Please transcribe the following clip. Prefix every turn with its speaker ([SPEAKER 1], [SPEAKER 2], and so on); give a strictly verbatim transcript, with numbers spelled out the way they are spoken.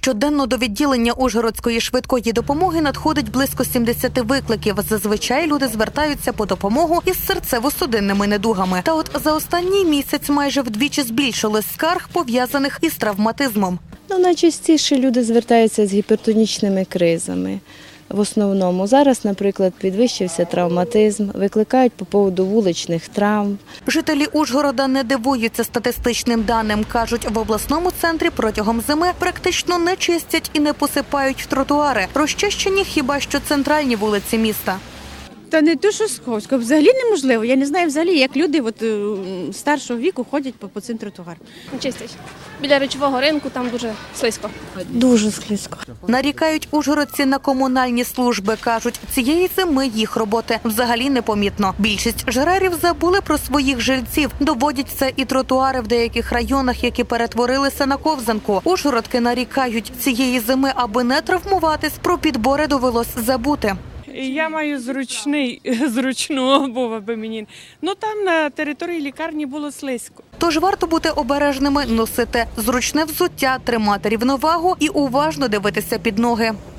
[SPEAKER 1] Щоденно до відділення Ужгородської швидкої допомоги надходить близько сімдесят викликів. Зазвичай люди звертаються по допомогу із серцево-судинними недугами. Та от за останній місяць майже вдвічі збільшилось скарг, пов'язаних із травматизмом.
[SPEAKER 2] Ну, найчастіше люди звертаються з гіпертонічними кризами. В основному зараз, наприклад, підвищився травматизм, викликають по поводу вуличних травм.
[SPEAKER 1] Жителі Ужгорода не дивуються статистичним даним. Кажуть, в обласному центрі протягом зими практично не чистять і не посипають тротуари. Розчищені хіба що центральні вулиці міста.
[SPEAKER 3] Та не то, що Сковська, взагалі неможливо. Я не знаю взагалі, як люди от, старшого віку ходять по, по цим тротуарам.
[SPEAKER 4] Чистять. Біля речового ринку там дуже слизько.
[SPEAKER 2] Дуже слизько.
[SPEAKER 1] Нарікають ужгородці на комунальні служби. Кажуть, цієї зими їх роботи взагалі непомітно. Більшість жрерів забули про своїх жильців. Доводять це і тротуари в деяких районах, які перетворилися на ковзанку. Ужгородки нарікають, цієї зими, аби не травмуватись, про підбори довелось забути.
[SPEAKER 5] Я маю зручний, зручну обув, аби мені. Ну там на території лікарні було слизько.
[SPEAKER 1] Тож варто бути обережними, носити зручне взуття, тримати рівновагу і уважно дивитися під ноги.